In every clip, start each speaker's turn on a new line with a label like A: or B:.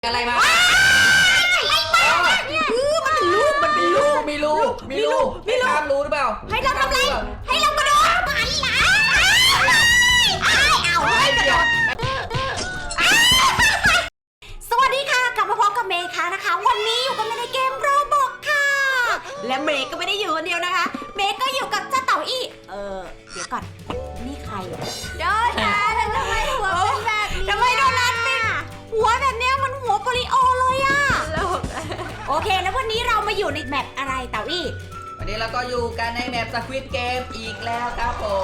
A: อะไรมา
B: อะไรมาเนี่ยมันเป็นลูก
A: ให้ตามรู้หรือเปล่า
B: ให้เราทำอะไรให้เรากระโดดหันหลังเอาให้กระโดดสวัสดีค่ะกลับมาพบกับเมย์ค่ะนะคะวันนี้อยู่กันในเกมโรบอกค่ะและเมย์ก็ไม่ได้อยู่คนเดียวนะคะเมย์ก็อยู่กับเจ้าเต่าอี้เดี๋ยวก่อนนี่ใครโดนัททำไมหัวเป็นแบบนี้ทำไมโดนัทเป็นหัวแบบเนี้ยมันหัวโปลิโอเลยอะโอเคแล้ววันนี้เรามาอยู่ในแมปอะไรเต่าอี้
A: วันนี้เราก็อยู่กันในแมปสควิดเกมอีกแล้วครับผม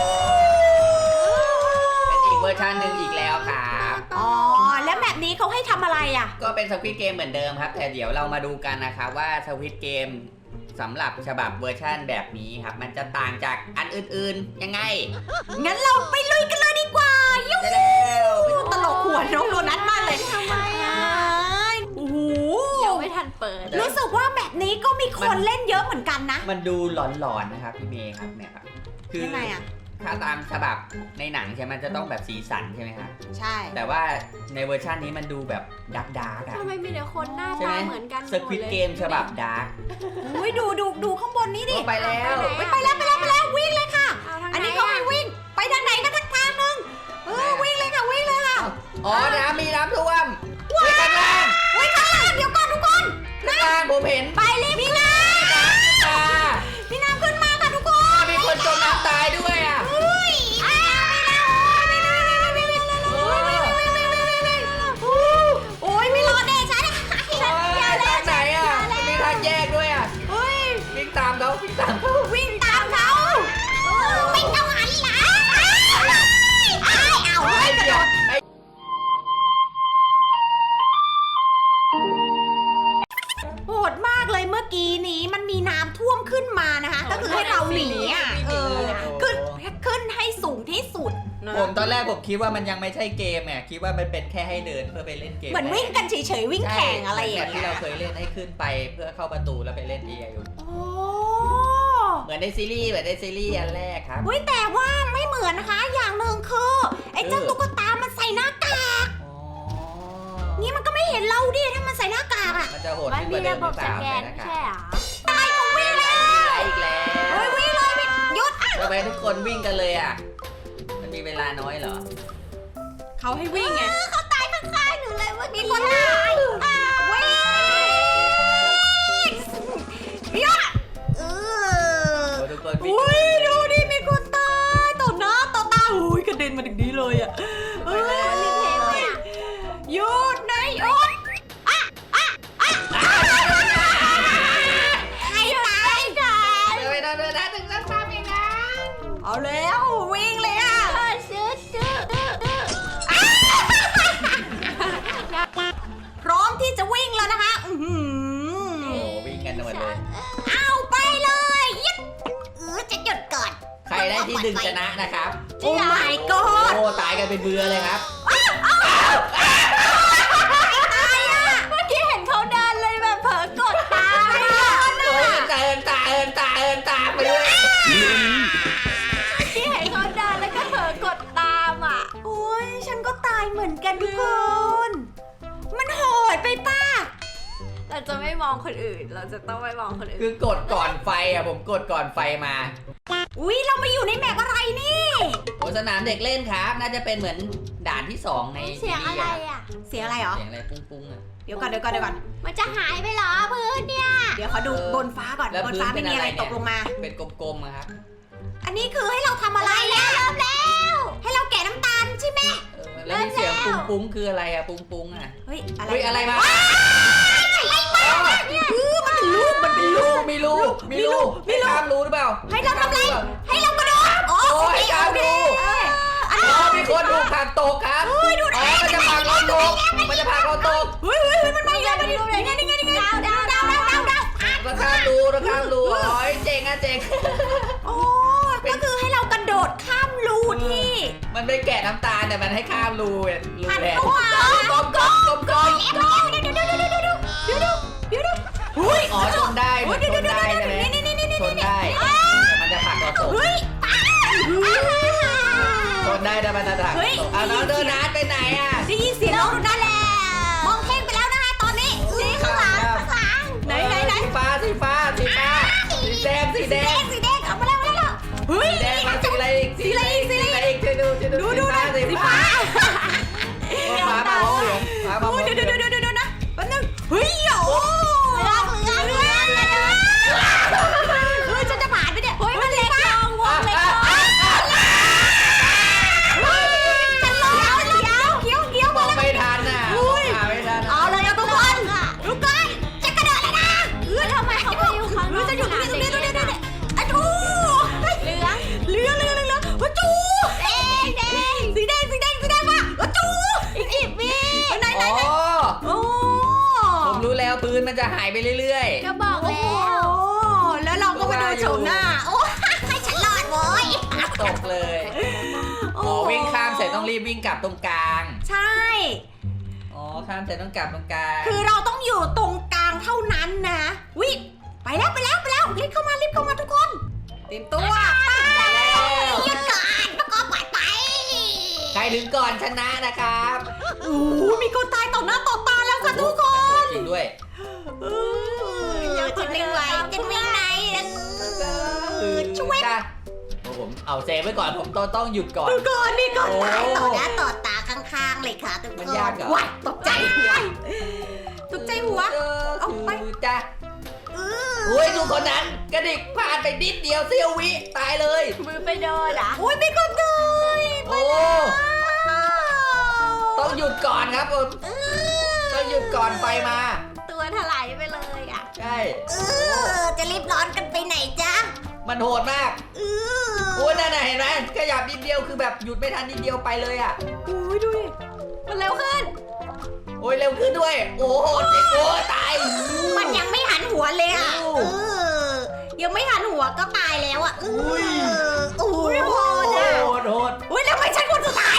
A: เป็นอีกเวอร์ชันหนึ่งอีกแล้วครับ
B: อ๋อแล้วแมปนี้เขาให้ทำอะไรอ่ะ
A: ก็เป็นสควิดเกมเหมือนเดิมครับแต่เดี๋ยวเรามาดูกันนะครับว่าสควิดเกมสำหรับฉบับเวอร์ชันแบบนี้ครับมันจะต่างจากอันอื่นๆยังไง
B: งั้นเราไปลุยกันเลยดีกว่า
A: ยุ่งแล้ว
B: ตลกหัวน้องโดนัทมากเลยทำไมอ่ะโอ้โห
C: ยังไม่ทันเปิด
B: รู้สึกว่าแบบนี้ก็มีคนเล่นเยอะเหมือนกันนะ
A: มันดูหลอนๆนะครับพี่เมย์ครับเนี่ยครับ
B: คือยังไงอ่ะ
A: ถ้าตามฉบับในหนังใช่ไหมมันจะต้องแบบสีสันใช่ไหมครับ
B: ใช่
A: แต่ว่าในเวอร์ชันนี้มันดูแบบดาร์กอะ
C: ทำไมมีแต่คนหน้าตาเหมือนกัน
A: สควิดเกมฉบับดาร์ก
B: อุ้ยดูข้างบนนี้ดิ
A: ไปแล้ว
B: ไปแล้ววิ่งเลยค่ะอันนี้เขาให้วิ่งไปทางไหนก็ทางนึงวิ่งเลยค่ะ
A: อ๋อน้ำมีน้ำท่วมข้างล่าง
B: เดี๋ยวก่อนทุกคน
A: ข้างล่างผมเห็น
B: ไปเลยพี่น้ำพี่น้ำขึ้นมาค่ะทุกคน
A: มีคนจมน้ำตายด้วยอ่ะ
B: โอ้ยไม่รอดแน่ฉัน
A: ทางไหนอ่ะมีทางแยกด้วยอ่ะวิ่งตามเขา
B: วิ่งตามเขาไม่ต้องหันหลังเอาให้กระโดดโหดมากเลยเมื่อกี้นี้มันมีน้ำท่วมขึ้นมานะคะก็คือให้เราหนีอ่ะขึ้นให้สูงที่สุด
A: ผมตอนแรกผมคิดว่ามันยังไม่ใช่เกมไงคิดว่ามันเป็นแค่ให้เดินเพื่อไปเล่นเกม
B: เหมือนวิ่งกันเฉยๆวิ่งแข่งอะไรอย่างเงี้ย
A: ที่เราเคยเล่นให้ขึ้นไปเพื่อเข้าประตูแล้วไปเล่นเออยู่เหมือนในซีรีส์อันแรกครับ
B: แต่ว่าไม่เหมือนนะคะอย่างหนึ่งคือไอ้เจ้าตุ๊กตามันใส่หน้ากากนี่มันก็ไม่เห็นเราดิถ้ามันใส่หน้ากากอ่ะ
A: มันจะโหดขึ้นกว่าเดิมหรือเปล่าใส่หน้ากาก
B: ตายของวิ่งแล้ว
A: อีกแล้ว
B: วิ่งเลยหยุด
A: ทำไมทุกคนวิ่งกันเลยอ่ะมันมีเวลาน้อยเหรอ
B: เขาให้วิ่งไงเขาตายข้างๆหนูเลยว่ามีคนตายวิ่งหยุด
A: ทุกคนวิ่ง
B: ดูดิมีคนตายต่อหน้าต่อตาอุ้ยกระเด็นมาถึงนี้เลยอ่ะหยุดนะหยุดใครตายกัน
A: ไม่ต้องเดินนะถึงจะทำอย่างนั้น
B: เอาแล้ววิ่งเลยอ่ะพร้อมที่จะวิ่งแล้วนะคะ
A: วิ่งกันหมดเลย
B: เอาไปเลยยิบจะหยุดก่อน
A: ใครได้ที่ดึงชนะนะครับ
B: โอ้ my god
A: โอ้ตายกันเป็นเบื่อเลยครับ
C: เมื่อกี้เห็นเขาเดินเลยแบบเผลอกดตาม
A: เอินตาไปด้วย
C: เมื่อกี้เห็นเขาเดินแล้วก็เผลอกดตามอ่ะ
B: โอ้ยฉันก็ตายเหมือนกันทุกคนมันโหดไปป้า
C: เราจะไม่มองคนอื่นเราจะต้องไม่มองคนอื่น
A: คือกดก่อนไฟอ่ะผมกดก่อนไฟมา
B: อุ้ยเรามาอยู่ในแมปอะไรนี่
A: โอ้สนามเด็กเล่นครับน่าจะเป็นเหมือนด่านที่2ใน
C: เสียงอะไรอ่ะ
B: เสียงอะไรหรอ
A: เสียงอะไรปุ้งๆอ่ะ
B: เดี๋ยวก่อน
C: มันจะหายไปเหรอพื้นเนี่ย
B: เดี๋ยวขอดูบนฟ้าก่อนบนฟ้าไม่มีอะไรตกลงมา
A: เป็นกลมๆครับ
B: อันนี้คือให้เราทำอะไร
C: แล้วแล้ว
B: ให้เราแกะน้ำตาลใช่ไหม
A: แล้วมีเสียงปุ้งคืออะไรอ่ะปุ้งอ่ะ
B: เฮ้ย
A: อะไรมา
B: มันเป็นลูก
A: มีลูกข้ามรู้หรือเปล่า
B: ให้เราทำอะไรให้เรากระโดด
A: โอ้ยข้ามรู้มีคนถูกผลักตกครับมันจะผลักเราตกมัน
B: มาอีกแล้วนี่ดาว
A: เราข้ามรู้โอ้ยเจ๋ง
B: โอ้ก็คือให้เรากระโดดข้ามรูที่
A: มันไม่แกะน้ำตาลแต่มันให้ข้ามรู
B: แหละกลม
A: อ๋อชนได้ชนได้แต่มันจะผลักเราตกชนได้แต่มันจะผลักตกเอาน้องโดนัทไปไหนอ่ะ
B: ได้ยินเสียงน้องโดนัทแล้วมองเพ่งยวนะแป๊บนึงเฮ้ยโอ้เฮ้ยฉันจะผ่านไปเนี่ยเฮ้ยมันเล็กลงวงเล็กลงเดี๋ยว
A: มองไม่ทันอ่ะหาไม่ทัน
B: เอาเลยทุกคนทุกคนจะกระโดดเลยนะ
C: ทำไมเขาไปอยู่ข้างนอก
B: จะอยู่ตรงนี้อะจูเหลืองอะจูแดงสีแดงมาอะจู
C: อีก10 วิ
B: ไหน โอ้
A: ผมรู้แล้วปืนมันจะหายไปเรื่อย
C: ก็บอกแล้ว
B: แล้วเราก็มาดูโฉมหน้าโอ้ให้ฉันรอดโว้ย
A: ๆตกเลยวิ่งข้ามเสร็จต้องรีบวิ่งกลับตรงกลาง
B: ใช่
A: ข้ามเสร็จต้องกลับตรงกลาง
B: คือเราต้องอยู่ตรงกลางเท่านั้นนะวิไปแล้วรีบเข้ามาทุกคนเตรียมตัวยืดก่อนแล้วก็ไป
A: ใครถึงก่อนชนะนะครับ
B: โอ้มีคนตายต่อหน้าต่อตาแล้วค่ะทุกคน
A: จริงด้วย
B: จะวิ่งไหวช่วย
A: ผมเอาเซฟไว้ก่อนผมต้องหยุดก่อน
B: นี่ก่อน
A: ต่อหน้า
B: ต่อตาข้างๆเลยค่ะทุกคน
A: มันยากเหรอ
B: ว้ายตกใจหัวเอาไป
A: จ้ะอุ้ยดูคนนั้นกระดิกพลาดไปนิดเดียวเสี้ยววิตายเลย
C: มือไปโดนอ่ะ
B: โอ้ยมีคนตาย
A: โอ้ต้องหยุดก่อนครับผมต้องหยุดก่อนไฟมา
C: ตัวถลายไปเลยอ่ะ
A: ใช่
B: จะรีบร้อนกันไปไหนจ๊ะ
A: มันโหดมากโอ้ยนั่นน่ะเห็นไหมขยับนิดเดียวคือแบบหยุดไม่ทันนิดเดียวไปเลยอ่ะ
B: โอ้ยดูดิมันเร็วขึ้น
A: โอ้ยเร็วขึ้นด้วยโอ้โหเจ๊โอ้ตาย
B: มันยังไม่หันหัวเลยอ่ะยังไม่หันหัวก็ตายแล้วอ่ะโอ้ยโหด
A: โหด
B: อุ้ยแล้วทำไมฉันคนสุดท้าย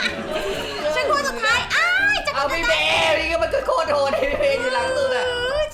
B: จะ
A: เอาพี่เบย์นี่ก็มันก็โคตรโหดพี่เบย์อยู่หลังสุดอ่ะ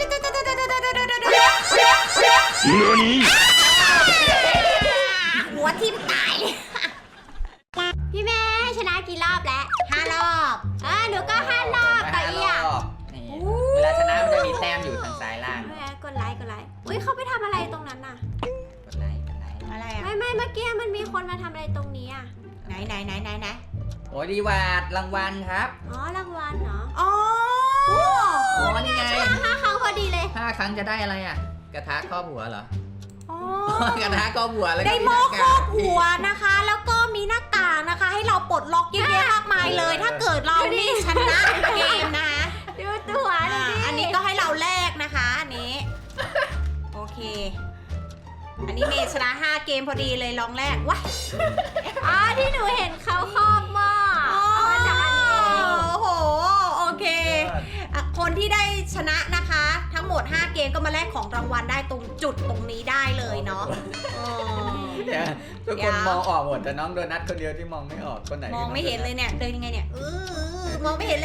B: หัวทิ่มตาย
C: พี่แม่ชนะกี่รอบแล้ว
B: 5 รอบ
C: หนูก็5 รอบแต่อีอ่ะ
A: นี่เวลาชนะมันจะมีแต้มอยู่ทางซ้ายล่าง
C: แม่กดไลค์อุ้ยเขาไปทำอะไรตรงนั้นน่ะ
A: กดไลค์
B: อะไรอ่ะ
C: ไม่เมื่อกี้มันมีคนมาทำอะไรตรงนี้อ่ะ
B: ไหน
A: โอ้ยดีวาดรางวัลครับ
C: อ๋อรางวัลเหรอ
B: อ๋อ
A: อ๋อนี่ไง
C: 5 ครั้งพอดีเลย
A: 5 ครั้งจะได้อะไรอ่ะกระทะครอบหัวเหรอ
B: อ๋อ
A: กระทะครอบหัวแล้วก็
B: ได้หม้อครอบหัวนะคะ แล้วก็มีหน้ากากนะคะ ให้เราปลดล็อกเยอะแยะมากมายเลย ถ้าเกิดเรานี่ชนะเกมนะคะ
C: ดูตัวเลย
B: อันนี้ก็ให้เราแลกนะคะอันนี้ โอเค อันนี้เมย์ชนะ5 เกมพอดีเลยลองแลกว้าย
C: ที่หนูเห็นเขาครอบหม้อเอามาจากอันนี้เอง
B: โอ้โหโอเคคนที่ได้ชนะนะคะ ทั้งหมด5 เกมก็มาแลกของรางวัลได้ตรงจุดตรงนี้ได้เลยเนาะ
A: เนี่ยทุกคนมองออกหมดแต่น้องโดนัทคนเดียวที่มองไม่ออกคนไหน
B: มองไม่เห็นเลยเนี่ยเดินยังไงเนี่ยมองไม่เห็นเลย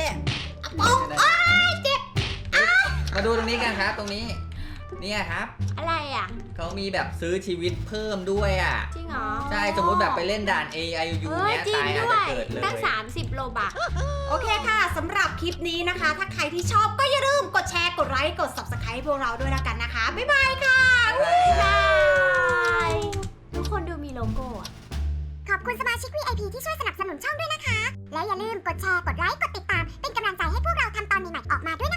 A: มาดูตรงนี้กันครับตรงนี้เนี่ยครับ
C: อะไรอ่ะ
A: เขามีแบบซื้อชีวิตเพิ่มด้วยอ่ะ
C: จริงเหรอ
A: ใช่สมมติแบบไปเล่นด่าน A I U เนี้ย
C: จริง
A: ตายอาจ
C: ด้ว
A: จะ
C: ย
A: เกิดเลย
C: ตั้ง30 โลบัก
B: โอเคค่ะสำหรับคลิปนี้นะคะ ถ้าใครที่ชอบก็อย่าลืมกดแชร์กดไลค์กด Subscribe พวกเราด้วยแล้วกันนะคะบ๊ายบายค่ะ
C: บายทุกคนดูมีโลโก้อะ
D: ขอบคุณสมาชิก VIP ที่ช่วยสนับสนุนช่องด้วยนะคะ และอย่าลืมกดแชร์ กดไลค์ กดติดตาม เป็นกำลังใจให้พวกเราทำตอนใหม่ๆออกมาด้วยนะคะ